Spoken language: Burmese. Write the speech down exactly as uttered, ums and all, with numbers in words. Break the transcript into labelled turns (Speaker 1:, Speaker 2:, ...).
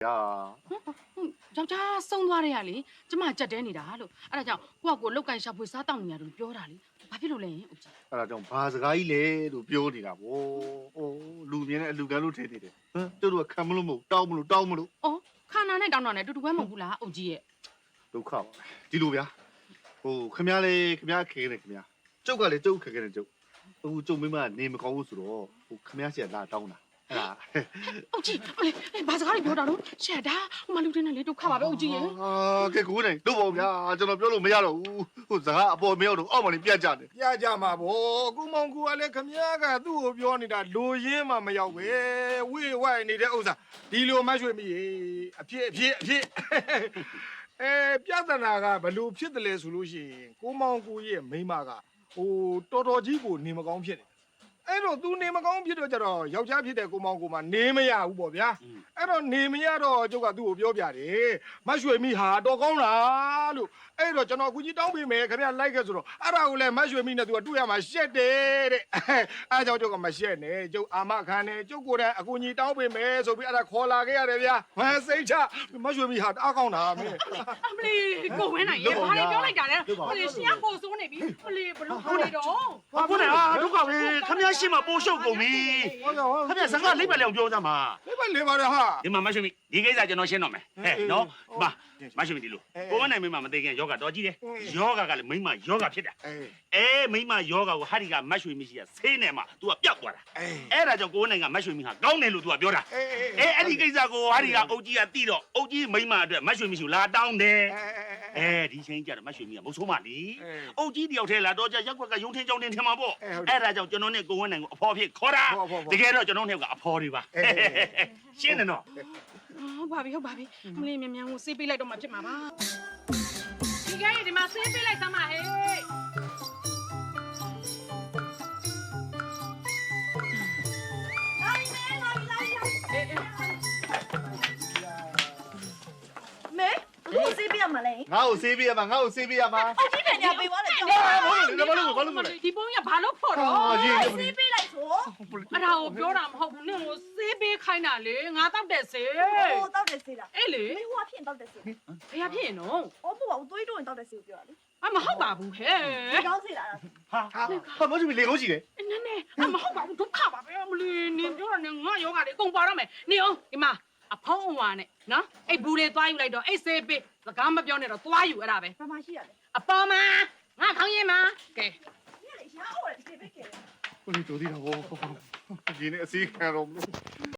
Speaker 1: ယောက်ျားဆုံးသွားတဲ့ရလေကျမကြက်တဲနေတာလို့အဲ့ဒါကြောင့်ကိုကကိုလောက်ကန်ရှာဖွေစားတောင်းနေရတယ်လို့ပြောတာလေဘာဖြစ်လို့လဲဦးကြီး
Speaker 2: အဲ့ဒါကြောင့်ဘာစကားကြီးလဲလို့ပြောနေတာဗောဟိုလူမြင်တဲ့အလူကန်းလို့ထင်နေတယ်ဟမ်တို့တို့ကခံမလို့မဟုတ်တောင်းမလို့တောင်းမလို့
Speaker 1: အော်ခါနာနဲ့တောင်းတာနဲ့တူတူပဲမဟုတ်ဘူးလားဦးကြီးရဲ့
Speaker 2: ဒုက္ခပါပဲဒီလိုဗျာဟိုခမရလေခမရခဲနေခမရကျုပ်ကလည်းကျုပ်ခဲခဲနေကျုပ်ဟိုကျုပ်မင်းမနေမကောင်းဘူးဆိုတော့ဟိုခမရစီကလာတောင်းတာအဲ့ဒါ
Speaker 1: ဦးကြီးအလေဘာစကားတွေပြောတာတော့ရှက်တာဟိုမလူတွေနဲ့လေဒုက္ခပါပဲဦးကြီးရဲ့
Speaker 2: အာကဲကိုနေတို့ပေါ့ဗျာကျွန်တော်ပြောလို့မရတော့ဘူးဟိုစကားအပေါ်မရောက်တော့အောက်မှာနေပြတ်ကြတယ်
Speaker 3: ပြကြမှာဗောကုမောင်ကူကလည်းခမည်းကသူ့ကိုပြောနေတာလိုရင်းမှမရောက်ပဲဝေးဝိုင်းနေတဲ့ဥစ္စာဒီလိုမရွှေမိရေအဖြစ်အဖြစ်အဖြစ်အဲပြဿနာကဘလို့ဖြစ်တယ်လဲဆိုလို့ရှိရင်ကုမောင်ကူရဲ့မိန်းမကဟိုတော်တော်ကြီးကိုနေမကောင်းဖြစ်နေအဲ့တော့ तू နေမကောင်းဖြစ်တော့ကြတော့ယောက်ျားဖြစ်တဲ့ကိုမောင်ကိုမှနေမရဘူးပေါ့ဗျာအဲ့တော့နေမရတော့ကျုပ်ကသူ့ကိုပြောပြတယ်မရွှေမိဟာတော်ကောင်းလားလို့အဲ့တော့ကျွန်တော်အကူကြီးတောင်းပေးမယ်ခင်ဗျလိုက်ခဲ့ဆိုတော့အဲ့ဒါကိုလည်းမရွှေမိနဲ့ तू ကတွေ့ရမှာရှက်တယ်တဲ့အဲ့ကြောင့်ကျုပ်ကမရှက်နဲ့ကျုပ်အာမခံနဲ့ကျုပ်ကိုယ်တိုင်အကူကြီးတောင်းပေးမယ်ဆိုပြီးအဲ့ဒါခေါ်လာခဲ့ရတယ်ဗျာမစိတ်ချမရွှေမိဟာတအားကောင်းတာမင်း
Speaker 1: အမလီကိုဝင်းနိုင်ရေဘာတွေပြောလိုက်တာလဲဟိုလေရှင်ကပိုဆိုးနေပြီဟိုလေဘလို့ခေါ်နေတော့
Speaker 4: ဘာကိုလဲဟာဒုက္ခပဲခမရရှိမှပိုးရှုပ်ကုန်ပြီ
Speaker 3: ဟုတ်ကဲ့ဟုတ်
Speaker 4: ခမရစကားလိမ့်ပါလေအောင်ပြောစမ်းပါ
Speaker 3: လေးပါလေးပါဟာ
Speaker 4: ဒီမှာမရှိမိဒီကိစ္စကျွန်တော်ရှင်းတော့မယ်ဟဲ့နော်မမရှိမိဒီလိုကိုမနိုင်မိမမသိခင်ယောဂတော်ကြီးတယ်ယောဂကလည်းမိမယောဂဖြစ်တာ
Speaker 3: အေး
Speaker 4: အဲမိမယောဂကိုဟာဒီကမတ်ရွှေမရှိရဆေးနေမှာ तू ကပျောက်သွားတာ
Speaker 3: အေး
Speaker 4: အဲ့ဒါကြောင့်ကိုနိုင်ကမတ်ရွှေမိဟာကောင်းတယ်လို့ तू ကပြောတာ
Speaker 3: အေးအေး
Speaker 4: အဲအဲ့ဒီကိစ္စကိုဟာဒီကအုတ်ကြီးကတိတော့အုတ်ကြီးမိမအတွက်မတ်ရွှေမရှိလာတောင်းတယ်အဲဒီချင်းကြတော့မတ်ရွှေမိကမဟုတ်ဆိုးမလीအုတ်ကြီးတယောက်ထဲလာတော့ကြရက်ွက်ကရုံထင်းကြောင်းတင်ထင်မှာပေါ့အဲ့ဒါကြောင့်ကျွန်တော်နဲ့ကိုဝင်းနိုင်ကိုအဖေါ်ဖြစ်ခေါ်တာတကယ်တော့ကျွန်တော်နဲ့ကအဖေါ်တွေပါရှင်းတယ်နော်
Speaker 1: ဟုတ်ပါပြီဟုတ်ပါပြီအမလီမြန်မြန်ကိုစေးပေးလိုက်တော့မှဖြစ်မှာပါဒီကနေ့ဒီမှာစေးပေးလိုက်သမှာဟဲ့
Speaker 5: မဲဘယ်စေးပြရမလဲ
Speaker 2: ငါ့ကိုဆေးပေးရမှာငါ့ကိုဆေးပေးရမှာ
Speaker 5: အော်ကြီးတယ်ညာပေးသွားတယ်ကြောက်
Speaker 2: ဘာလို့ဘာလို့ဘာလို့
Speaker 1: ဒီပုံကဘာလို့ဖို့တော့
Speaker 2: အာကြီး
Speaker 5: စေးပေးလိုက်ဆို
Speaker 1: အဲ့ဒါကိုပြောတာမဟုတ်ဘူးနင်ကိုစေးပေးခိုင်းတာလေငါတောက်တဲ့စေး
Speaker 5: ဟိုတောက်တယ်စေးတာ
Speaker 1: အဲ့လေ
Speaker 5: မင်းဟိုကဖြစ်တောက်တယ်စေး
Speaker 1: ဘယ်ရဖြစ်ရင်နော်
Speaker 5: အော်ဘို့ကသွေးတို့ရင်တောက်တယ်စေးကိုပြောတာလေ
Speaker 1: အမဟုတ်ပါဘူးဟဲ့
Speaker 5: ဒီကောင်းစေးတာလား
Speaker 4: ဟာဟာ
Speaker 2: ဟာမရှိပြီလေကောင်းရှိတယ်
Speaker 1: နည်းနည်းအမဟုတ်ပါဘူးဒုက္ခပါပဲအမလီနင်ပြောတာနဲ့ငါယောဂတွေအကုန်ပါတော့မယ်နေအောင်ဒီမှာအဖုံးအဝါနဲ့နော်အဲ့ဘူးတွေသွားယူလိုက်တော့အဲ့စေးပေးစကားမပြောနဲ့တော့သွားယူအဲ့ဒါပဲ
Speaker 5: ဘာမှရှိရလဲ
Speaker 1: အပေါ်မှာငါခေါင်းရင်းမှာကဲ
Speaker 5: ညလေရှားဟိုလေစေးပေးခဲ့တယ်
Speaker 2: ကိုလေးတို့သေးတာဗောဒီနေ့အစည်းခံတော့မလို့